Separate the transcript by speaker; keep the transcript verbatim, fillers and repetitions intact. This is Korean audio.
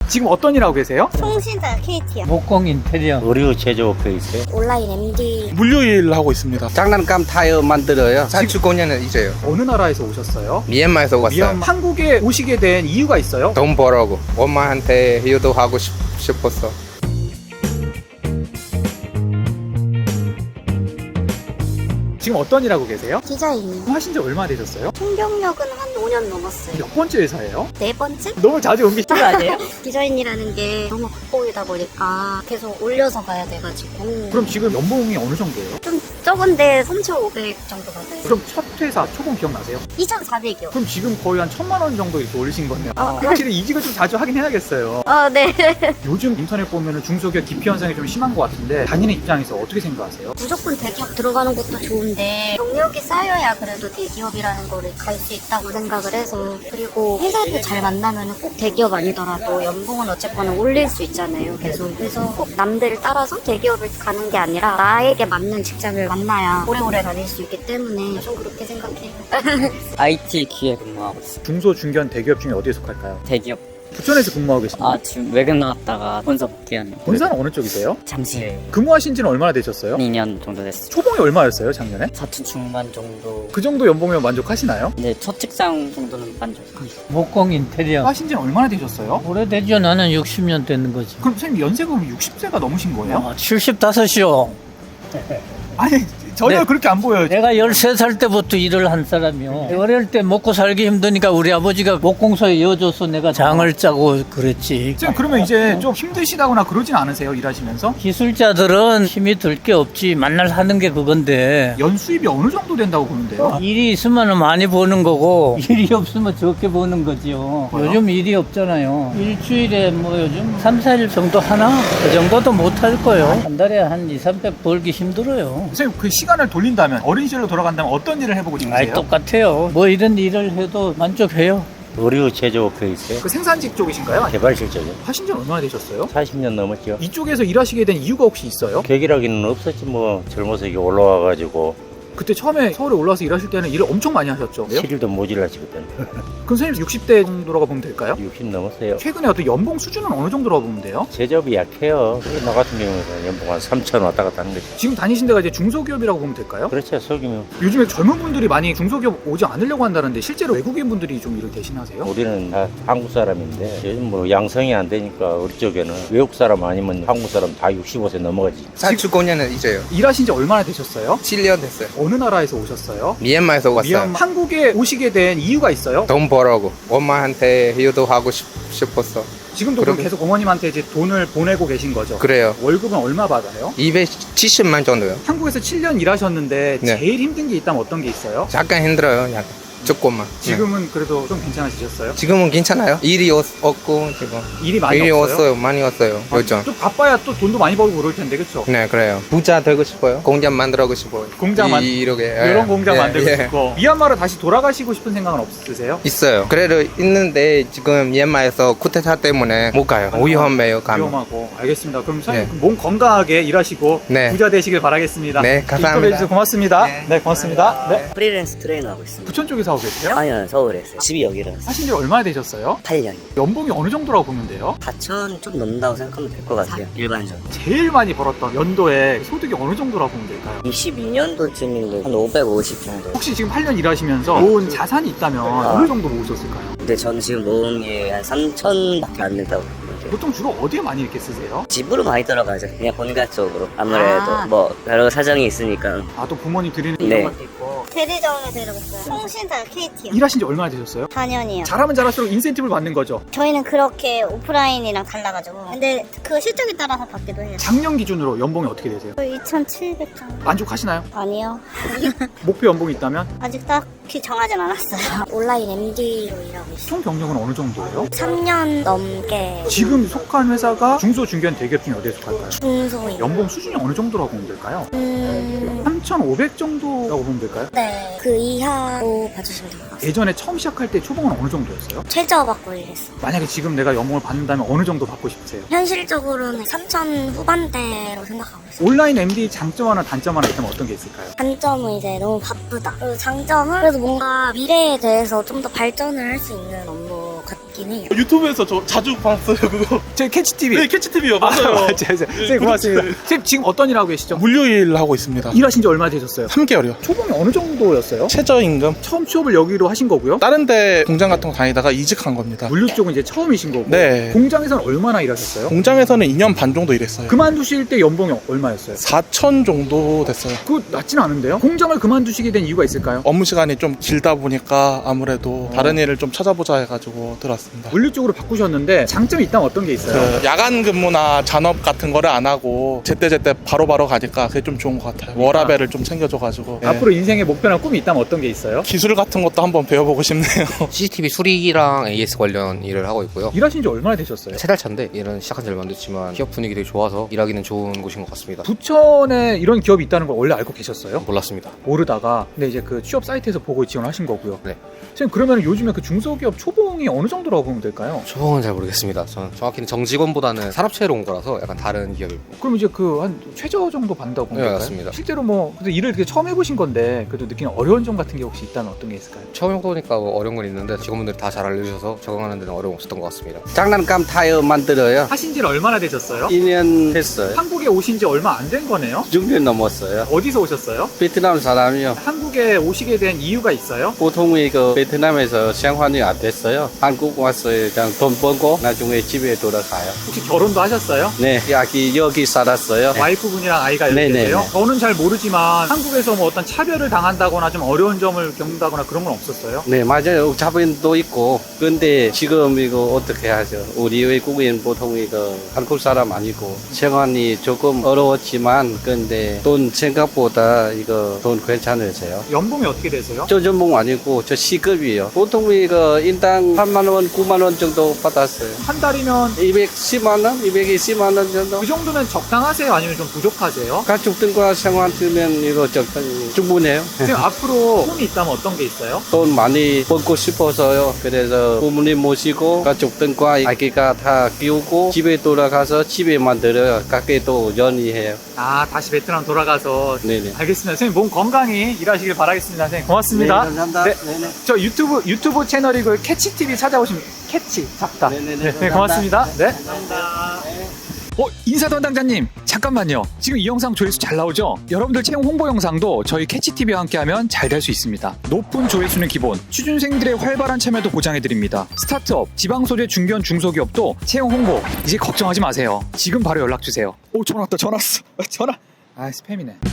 Speaker 1: 지금 어떤 일 하고 계세요?
Speaker 2: 통신사 케이티요.
Speaker 3: 목공 인테리어
Speaker 4: 의류 제조업에 있어요.
Speaker 2: 온라인 엠디.
Speaker 1: 물류일 하고 있습니다.
Speaker 5: 장난감 타이어 만들어요. 삼십 오 년은 이제요.
Speaker 1: 어느 나라에서 오셨어요?
Speaker 5: 미얀마에서 왔어요.
Speaker 1: 미얀마. 한국에 오시게 된 이유가 있어요?
Speaker 5: 돈 벌라고. 엄마한테 효도하고 싶, 싶었어.
Speaker 1: 지금 어떤 일 하고 계세요?
Speaker 2: 디자인.
Speaker 1: 하신 지 얼마나 되셨어요?
Speaker 2: 총경력은 한 오 년 넘었어요.
Speaker 1: 몇 번째 회사예요?
Speaker 2: 네 번째?
Speaker 1: 너무 자주 옮기시는 거 아니에요?
Speaker 2: 디자인이라는 게 너무 극복이다 보니까 계속 올려서 가야 돼가지고.
Speaker 1: 그럼 지금 연봉이 어느 정도예요?
Speaker 2: 좀 적은데 삼천오백 정도 받아요.
Speaker 1: 그럼 첫 회사 초봉 기억나세요?
Speaker 2: 이천사백이요.
Speaker 1: 그럼 지금 거의 한 천만 원 정도 이렇게 올리신 거네요.
Speaker 2: 어.
Speaker 1: 확실히 이직을 좀 자주 하긴 해야겠어요.
Speaker 2: 아, 네.
Speaker 1: 요즘 인터넷 보면 중소기업 기피 현상이 좀 심한 것 같은데 다니는 입장에서 어떻게 생각하세요?
Speaker 2: 무조건 대기업 들어가는 것도 좋은데 경력이 쌓여야 그래도 대기업이라는 거를 갈 수 있다고 생각을 해서, 그리고 회사를 잘 만나면 꼭 대기업 아니더라도 연봉은 어쨌거나 올릴 수 있잖아요. 계속. 그래서 꼭 남들을 따라서 대기업을 가는 게 아니라 나에게 맞는 직장을 만나야 오래오래 다닐 수 있기 때문에 좀 그렇게 생각해요.
Speaker 6: 아이티 기에 근무하고 있어요.
Speaker 1: 중소, 중견, 대기업 중에 어디에 속할까요?
Speaker 6: 대기업.
Speaker 1: 부천에서 근무하고 계십니다.
Speaker 6: 아, 지금 외근 나왔다가 본사 복귀하는.
Speaker 1: 본사는 어느 쪽이세요?
Speaker 6: 잠실.
Speaker 1: 근무하신 지는 얼마나 되셨어요?
Speaker 6: 이 년 정도 됐어요.
Speaker 1: 초봉이 얼마였어요, 작년에?
Speaker 6: 사천 중반 정도.
Speaker 1: 그 정도 연봉이면 만족하시나요?
Speaker 6: 네, 첫 직장 정도는 만족.
Speaker 3: 목공 인테리어
Speaker 1: 하신 지는 얼마나 되셨어요?
Speaker 3: 오래되죠. 나는 육십 년 되는 거지.
Speaker 1: 그럼 선생님 연세가 육십 세가 넘으신 거예요?
Speaker 3: 아, 칠십오이요.
Speaker 1: 아니 전혀
Speaker 3: 네.
Speaker 1: 그렇게 안 보여요.
Speaker 3: 내가 열세 살 때부터 일을 한 사람이요. 어릴 때 먹고 살기 힘드니까 우리 아버지가 목공소에 이어줘서 내가 장을 짜고 그랬지.
Speaker 1: 선생님 그러면 이제 좀 힘드시다거나 그러진 않으세요? 일하시면서?
Speaker 3: 기술자들은 힘이 들 게 없지. 만날 하는 게 그건데.
Speaker 1: 연수입이 어느 정도 된다고 보는데요?
Speaker 3: 일이 있으면 많이 버는 거고 일이 없으면 적게 버는 거지요.
Speaker 1: 뭐요?
Speaker 3: 요즘 일이 없잖아요. 일주일에 뭐 요즘 삼, 사 일 정도 하나? 그 정도도 못 할 거예요. 한 달에 한 이, 삼백 벌기 힘들어요.
Speaker 1: 선생님 그 시간을 돌린다면 어린 시절로 돌아간다면 어떤 일을 해보고 싶으세요?
Speaker 3: 아이 똑같아요. 뭐 이런 일을 해도 만족해요.
Speaker 4: 의류 제조업에 있어요.
Speaker 1: 그 생산직 쪽이신가요?
Speaker 4: 개발실적이요.
Speaker 1: 하신 지는 얼마나 되셨어요?
Speaker 4: 사십 년 넘었죠.
Speaker 1: 이쪽에서 일하시게 된 이유가 혹시 있어요?
Speaker 4: 계기라기는 없었지 뭐. 젊어서 이게 올라와가지고
Speaker 1: 그때 처음에 서울에 올라와서 일하실 때는 일을 엄청 많이 하셨죠?
Speaker 4: 칠 일도 모질라지 그때는.
Speaker 1: 그럼 선생님 육십 대 정도라고 보면 될까요?
Speaker 4: 육십 넘었어요.
Speaker 1: 최근에 어떤 연봉 수준은 어느 정도라고 보면 돼요?
Speaker 4: 제조업이 약해요. 나 같은 경우는 연봉 한 삼천 왔다 갔다 하는 거지.
Speaker 1: 지금 다니신 데가 이제 중소기업이라고 보면 될까요?
Speaker 4: 그렇죠. 속이면.
Speaker 1: 요즘에 젊은 분들이 많이 중소기업 오지 않으려고 한다는데 실제로 외국인 분들이 좀 일을 대신하세요?
Speaker 4: 우리는 다 한국 사람인데 요즘 뭐 양성이 안 되니까 우리 쪽에는 외국 사람 아니면 한국 사람 다 육십오 세 넘어가지.
Speaker 5: 삼십 오 년은 이제요.
Speaker 1: 일하신 지 얼마나 되셨어요?
Speaker 5: 칠 년 됐어요.
Speaker 1: 어느 나라에서 오셨어요?
Speaker 5: 미얀마에서 왔어요.
Speaker 1: 미얀마. 한국에 오시게 된 이유가 있어요?
Speaker 5: 돈 벌라고. 엄마한테 효도하고 싶, 싶었어.
Speaker 1: 지금도 그럼
Speaker 5: 그럼-
Speaker 1: 계속 어머님한테 이제 돈을 보내고 계신 거죠?
Speaker 5: 그래요.
Speaker 1: 월급은 얼마 받아요?
Speaker 5: 이백칠십만 정도요.
Speaker 1: 한국에서 칠 년 일하셨는데
Speaker 5: 네.
Speaker 1: 제일 힘든 게 있다면 어떤 게 있어요?
Speaker 5: 약간 힘들어요. 약간. 조금만. 네.
Speaker 1: 지금은 그래도 좀 괜찮아지셨어요?
Speaker 5: 지금은 괜찮아요. 일이 없, 없고 지금.
Speaker 1: 일이 많이
Speaker 5: 일이
Speaker 1: 없어요?
Speaker 5: 없어요. 많이 왔어요.
Speaker 1: 아,
Speaker 5: 요즘.
Speaker 1: 좀 바빠야 또 돈도 많이 벌고 그럴 텐데 그쵸?
Speaker 5: 네, 그래요. 부자 되고 싶어요. 공장 만들고 싶어요.
Speaker 1: 공장 만-
Speaker 5: 이- 이렇게.
Speaker 1: 이런
Speaker 5: 예.
Speaker 1: 공장
Speaker 5: 예,
Speaker 1: 만들고
Speaker 5: 예.
Speaker 1: 싶고 미얀마로 다시 돌아가시고 싶은 생각은 없으세요?
Speaker 5: 있어요. 그래도 있는데 지금 미얀마에서 쿠데타 때문에 못 가요. 위험해요. 가면.
Speaker 1: 위험하고 알겠습니다. 그럼 선생님
Speaker 5: 네.
Speaker 1: 몸 건강하게 일하시고
Speaker 5: 네.
Speaker 1: 부자 되시길 바라겠습니다.
Speaker 5: 네, 감사합니다.
Speaker 1: 인터뷰해주셔서 고맙습니다. 네,
Speaker 5: 네.
Speaker 1: 고맙습니다. 네.
Speaker 7: 프리랜서 트레이너 하고 있습니다.
Speaker 1: 부천 쪽에서 하고 계세요?
Speaker 7: 아니요, 서울에 있어요. 집이 여기라서.
Speaker 1: 하신 지 얼마나 되셨어요?
Speaker 7: 팔 년.
Speaker 1: 연봉이 어느 정도라고 보면 돼요?
Speaker 7: 사천 좀 넘는다고 생각하면 될 것 같아요. 일반적으로.
Speaker 1: 제일 많이 벌었던 연도에 소득이 어느 정도라고 보면 될까요?
Speaker 7: 이십이 년도쯤인데 한 오백오십 정도.
Speaker 1: 혹시 지금 팔 년 일하시면서 모은 자산이 있다면 어느 정도 모으셨을까요?
Speaker 7: 근데 저는 지금 모은 게 한 삼천밖에 안 된다고 보는데
Speaker 1: 보통 주로 어디에 많이 이렇게 쓰세요?
Speaker 7: 집으로 많이 들어가죠. 그냥 본가 쪽으로. 아무래도
Speaker 2: 아.
Speaker 7: 뭐 여러 사정이 있으니까.
Speaker 1: 아, 또 부모님 드리는
Speaker 7: 네.
Speaker 1: 이런 것도 있고.
Speaker 2: 대리점에서 일하고 있어요. 통신사 케이티요.
Speaker 1: 일하신 지 얼마나 되셨어요?
Speaker 2: 사 년이요.
Speaker 1: 잘하면 잘할수록 인센티브를 받는 거죠.
Speaker 2: 저희는 그렇게 오프라인이랑 달라가지고. 근데 그거 실적에 따라서 받기도 해요.
Speaker 1: 작년 기준으로 연봉이 어떻게 되세요?
Speaker 2: 이천칠백 정도.
Speaker 1: 만족하시나요?
Speaker 2: 아니요.
Speaker 1: 목표 연봉이 있다면?
Speaker 2: 아직 딱히 정하진 않았어요. 온라인 엠디로 일하고 있어요.
Speaker 1: 총 경력은 어느 정도예요?
Speaker 2: 삼 년 넘게
Speaker 1: 지금 속한 회사가 중소, 중견, 대기업 중에 어디에 속할까요?
Speaker 2: 중소인.
Speaker 1: 연봉 수준이 어느 정도라고 보면 될까요?
Speaker 2: 음...
Speaker 1: 삼천오백 정도라고 보면 될까요?
Speaker 2: 네. 그 이하로 봐주시면 될 것 같아요.
Speaker 1: 예전에 처음 시작할 때 초봉은 어느 정도였어요?
Speaker 2: 최저 받고 일했어요.
Speaker 1: 만약에 지금 내가 연봉을 받는다면 어느 정도 받고 싶으세요?
Speaker 2: 현실적으로는 삼천 후반대로 생각하고 있어요.
Speaker 1: 온라인 엠디 장점 하나 단점 하나 있다면 어떤 게 있을까요?
Speaker 2: 단점은 이제 너무 바쁘다. 그리고 장점은 그래도 뭔가 미래에 대해서 좀 더 발전을 할 수 있는 업무 같긴 있긴 해요.
Speaker 8: 유튜브에서 저 자주 봤어요 그거.
Speaker 1: 저희 캐치티비.
Speaker 8: 네 캐치티비요.
Speaker 1: 아,
Speaker 8: 맞아요.
Speaker 1: 맞아요. 선생님 고맙습니다. 선생님 지금 어떤 일 하고 계시죠?
Speaker 8: 물류일 하고 있습니다.
Speaker 1: 일하신 지 얼마 되셨어요?
Speaker 8: 삼 개월이요.
Speaker 1: 초봉이 어느 정도였어요?
Speaker 8: 최저임금.
Speaker 1: 처음 취업을 여기로 하신 거고요.
Speaker 8: 다른 데 공장 같은 거 다니다가 이직한 겁니다.
Speaker 1: 물류 쪽은 이제 처음이신 거고.
Speaker 8: 네.
Speaker 1: 공장에서는 얼마나 일하셨어요?
Speaker 8: 공장에서는 이 년 반 정도 일했어요.
Speaker 1: 그만두실 때 연봉이 얼마였어요?
Speaker 8: 사천 정도 됐어요.
Speaker 1: 그거 낮진 않은데요? 공장을 그만두시게 된 이유가 있을까요?
Speaker 8: 업무 시간이 좀 길다 보니까 아무래도 다른 일을 좀 찾아보자 해가지고 들어왔습니다.
Speaker 1: 물류 쪽으로 바꾸셨는데 장점이 있다면 어떤 게 있어요?
Speaker 8: 그 야간 근무나 잔업 같은 거를 안 하고 제때제때 바로바로 가니까 그게 좀 좋은 것 같아요. 워라벨을 좀 챙겨줘가지고. 네.
Speaker 1: 앞으로 인생의 목표나 꿈이 있다면 어떤 게 있어요?
Speaker 8: 기술 같은 것도 한번 배워보고 싶네요.
Speaker 5: 씨씨티비 수리랑 에이에스 관련 일을 하고 있고요.
Speaker 1: 일하신 지 얼마나 되셨어요?
Speaker 5: 세 달 차인데 일은 시작한 지 얼마 안 됐지만 기업 분위기 되게 좋아서 일하기는 좋은 곳인 것 같습니다.
Speaker 1: 부천에 이런 기업이 있다는 걸 원래 알고 계셨어요?
Speaker 5: 몰랐습니다.
Speaker 1: 모르다가 근데 이제 그 취업 사이트에서 보고 지원하신 거고요.
Speaker 5: 네.
Speaker 1: 선생님 그러면 요즘에 그 중소기업 초봉이 어느 정도라고 보면 될까요?
Speaker 5: 초봉은 잘 모르겠습니다. 저는 정확히는 정직원보다는 산업체로 온 거라서 약간 다른 기업이고.
Speaker 1: 그럼 이제 그 한 최저 정도 받는다고 보면
Speaker 5: 네,
Speaker 1: 될까요?
Speaker 5: 맞습니다.
Speaker 1: 실제로 뭐 근데 일을 이렇게 처음 해보신 건데 그래도 느끼는 어려운 점 같은 게 혹시 있다면 어떤 게 있을까요?
Speaker 5: 처음 해보니까 뭐 어려운 건 있는데 직원분들이 다 잘 알려주셔서 적응하는 데는 어려움 없었던 것 같습니다.
Speaker 7: 장난감 타이어 만들어요.
Speaker 1: 하신 지는 얼마나 되셨어요?
Speaker 7: 이 년 됐어요.
Speaker 1: 한국에 오신 지 얼마 안 된 거네요?
Speaker 7: 육 년 넘었어요.
Speaker 1: 어디서 오셨어요?
Speaker 7: 베트남 사람이요.
Speaker 1: 한국에 오시게 된 이유가 있어요?
Speaker 7: 보통 이거 베트남에서 생활이 안 됐어요. 한국 왔어요. 그냥 돈 벌고 나중에 집에 돌아가요.
Speaker 1: 혹시 결혼도 하셨어요?
Speaker 7: 네, 여기 여기 살았어요.
Speaker 1: 와이프분이랑 아이가 여기
Speaker 7: 네네네.
Speaker 1: 계세요? 저는 잘 모르지만 한국에서 뭐 어떤 차별을 당한다거나 좀 어려운 점을 겪는다거나 그런 건 없었어요?
Speaker 7: 네, 맞아요. 자본도 있고. 근데 지금 이거 어떻게 하죠? 우리 외국인 보통 이거 한국 사람 아니고 생활이 조금 어려웠지만 근데 돈 생각보다 이거 돈 괜찮으세요?
Speaker 1: 연봉이 어떻게 되세요?
Speaker 7: 저 전공 아니고 저 시급이요. 보통 이거 인당 팔만 원, 구만 원 정도 받았어요.
Speaker 1: 한 달이면
Speaker 7: 이백십만 원, 이백이십만 원 정도.
Speaker 1: 그 정도면 적당하세요? 아니면 좀 부족하세요?
Speaker 7: 가족들과 생활 쓰면 이거 적당히 충분해요.
Speaker 1: 지금 앞으로 꿈이 있다면 어떤 게 있어요?
Speaker 7: 돈 많이 벌고 싶어서요. 그래서 부모님 모시고 가족들과 아기가 다 키우고 집에 돌아가서 집에 만들어요. 가게도 연이해요.
Speaker 1: 아 다시 베트남 돌아가서
Speaker 7: 네네.
Speaker 1: 알겠습니다. 선생님 몸 건강히 일하시길 바라겠습니다. 선생님 고맙습니다.
Speaker 7: 네, 감사합니다.
Speaker 1: 네.
Speaker 7: 네네.
Speaker 1: 저 유튜브 유튜브 채널이고 캐치티비 찾아오시면 캐치 잡다.
Speaker 7: 네네네.
Speaker 1: 네, 네,
Speaker 7: 감사합니다.
Speaker 1: 고맙습니다. 네. 감사합니다. 어, 인사담당자님 잠깐만요. 지금 이 영상 조회수 잘 나오죠? 여러분들 채용 홍보 영상도 저희 캐치티비와 함께하면 잘 될 수 있습니다. 높은 조회수는 기본, 취준생들의 활발한 참여도 보장해드립니다. 스타트업, 지방소재 중견 중소기업도 채용 홍보 이제 걱정하지 마세요. 지금 바로 연락주세요. 오 전화 왔다. 전화 왔어. 전화. 아 스팸이네.